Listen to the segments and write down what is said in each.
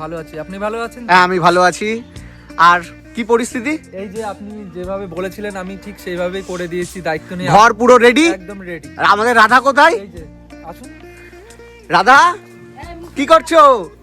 ভালো আছি, আপনি ভালো আছেন? হ্যাঁ আমি ভালো আছি। আর কি পরিস্থিতি? এই যে আপনি যেভাবে বলেছিলেন আমি ঠিক সেইভাবেই করে দিয়েছি, দায়িত্ব নিয়ে। ঘর পুরো রেডি? একদম রেডি। আর আমাদের রাধা কোথায়? এই যে আসুন। রাধা কি করছো?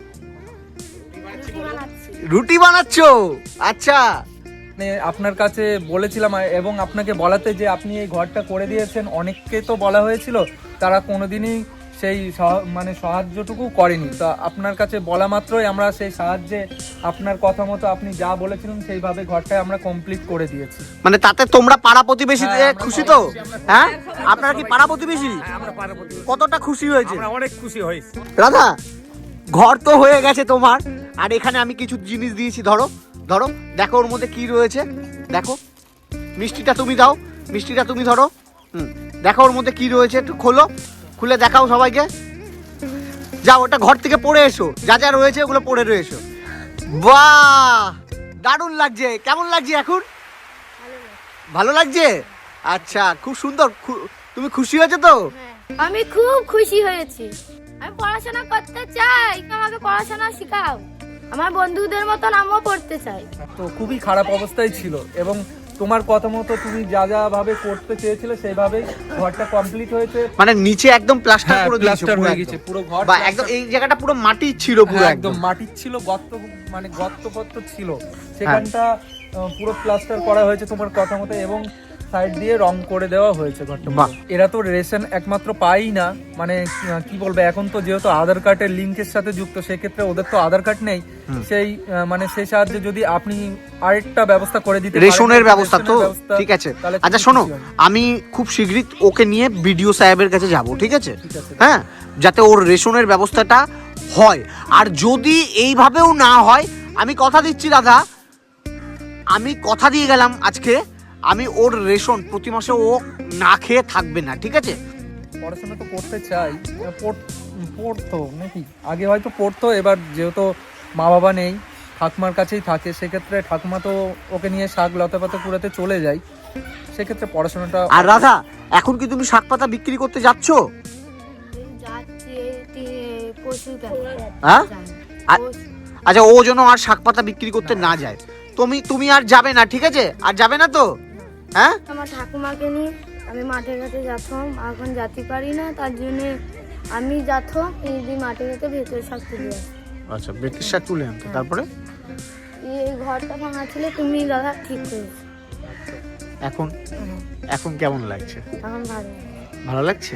রুটি বানাচ্ছো? আচ্ছা, মানে আপনার কাছে বলেছিলাম এবং আপনাকে বলাতে যে আপনি এই ঘরটা করে দিয়েছেন, অনেককে তো বলা হয়েছিল, তারা কোনোদিনই সেই মানে সাহায্যটুকু করেনি। তো আপনার কাছে বলা মাত্রই আমরা সেই সাহায্যে আপনার কথা মতো আপনি যা বলেছিলেন সেইভাবে ঘরটা আমরা কমপ্লিট করে দিয়েছি। মানে তাতে তোমরা পাড়া প্রতিবেশী হ্যাঁ, আমরা খুশি তো? হ্যাঁ, আপনারা কি পাড়া প্রতিবেশী? আমরা পার্বতী কতটা খুশি হয়েছে? আমরা অনেক খুশি হয়েছি। রাধা, ঘর তো হয়ে গেছে তোমার, আর এখানে আমি কিছু জিনিস দিয়েছি, ধরো ধরো, দেখো ওর মধ্যে কি রয়েছে। দেখো, মিষ্টিটা তুমি দাও, মিষ্টিটা তুমি ধরো। দেখো ওর মধ্যে কি রয়েছে, একটু খোলো, খুলে দেখাও সবাইকে। যাও, ওটা ঘর থেকে পড়ে এসো, যা যা রয়েছে ওগুলো পড়ে রয়েছে। বাহ, দারুণ লাগছে। কেমন লাগছে এখন? ভালো লাগছে? আচ্ছা, খুব সুন্দর। তুমি খুশি হয়েছো তো? আমি খুব খুশি হয়েছি। আমি পড়াশোনা করতে চাই, আমাকে পড়াশোনা শেখাও। আমার বন্ধুদের মতন আমিও পড়তে চাই। তো খুবই খারাপ অবস্থায় ছিল এবং তোমার কথা মতো তুমি যা যা ভাবে করতে চেয়েছিলে সেইভাবেই ঘরটা কমপ্লিট হয়েছে। মানে নিচে একদম প্লাস্টার করে দিয়েছো? প্লাস্টার হয়ে গেছে পুরো ঘর। বা একদম এই জায়গাটা পুরো মাটির ছিল, পুরো একদম মাটির ছিল, গর্ত, মানে গর্ত ছিল সেখানটা, পুরো প্লাস্টার করা হয়েছে তোমার কথা মতো এবং সাইড দিয়ে রং করে দেওয়া হয়েছে ঘরটা। এরা তো রেশন একমাত্র পাই না, মানে কি বলবো, এখন তো যেহেতু আধার কার্ডের লিঙ্কের সাথে যুক্ত, সেক্ষেত্রে ওদের তো আধার কার্ড নেই। সেই মানে সেই সাহায্যে যদি আপনি আরেকটা ব্যবস্থা করে দিতে, রেশনের ব্যবস্থা তো ঠিক আছে। আচ্ছা শোনো, আমি খুব শীঘ্রই ওকে নিয়ে বিডিও সাহেবের কাছে যাব, ঠিক আছে? হ্যাঁ, যাতে ওর রেশনের ব্যবস্থাটা হয়। আর যদি এইভাবেও না হয়, আমি কথা দিচ্ছি দাদা, আমি কথা দিয়ে গেলাম আজকে, আমি ওর রেশন প্রতি মাসে ও না খেয়ে থাকবে না, ঠিক আছে? পড়াশোনা তো করতে চাই, পড়তো নাকি আগে হয়তো পড়তো, এবার যেহেতু মা বাবা নেই, ঠাকুমার কাছেই থাকে, সেক্ষেত্রে ঠাকুমা তো ওকে নিয়ে শাক লতা পাতা কুড়াতে চলে যায়, সেক্ষেত্রে পড়াশোনাটা। আর রাধা, এখন কি তুমি শাক পাতা বিক্রি করতে যাচ্ছ? যাচ্ছি হ্যাঁ, আচ্ছা, ও যেন আর শাক পাতা বিক্রি করতে না যায়। তুমি আর যাবে না, ঠিক আছে? আর যাবে না তো? হ্যাঁ, আমার ঠাকুমাকে নিয়ে আমি মাঠে ঘাটে যাচ্ছিলাম, এখন যেতে পারি না, তার জন্য আমি যাচ্ছি এই মাঠে ঘাটে ভেতরে শাক তুলে আসি। আচ্ছা, বেতের শাক তুলে আনতে, তারপরে এই ঘরটা ভাঙা ছিল, তুমি দাদা ঠিক করেছো। এখন এখন কেমন লাগছে? এখন ভালো লাগছে?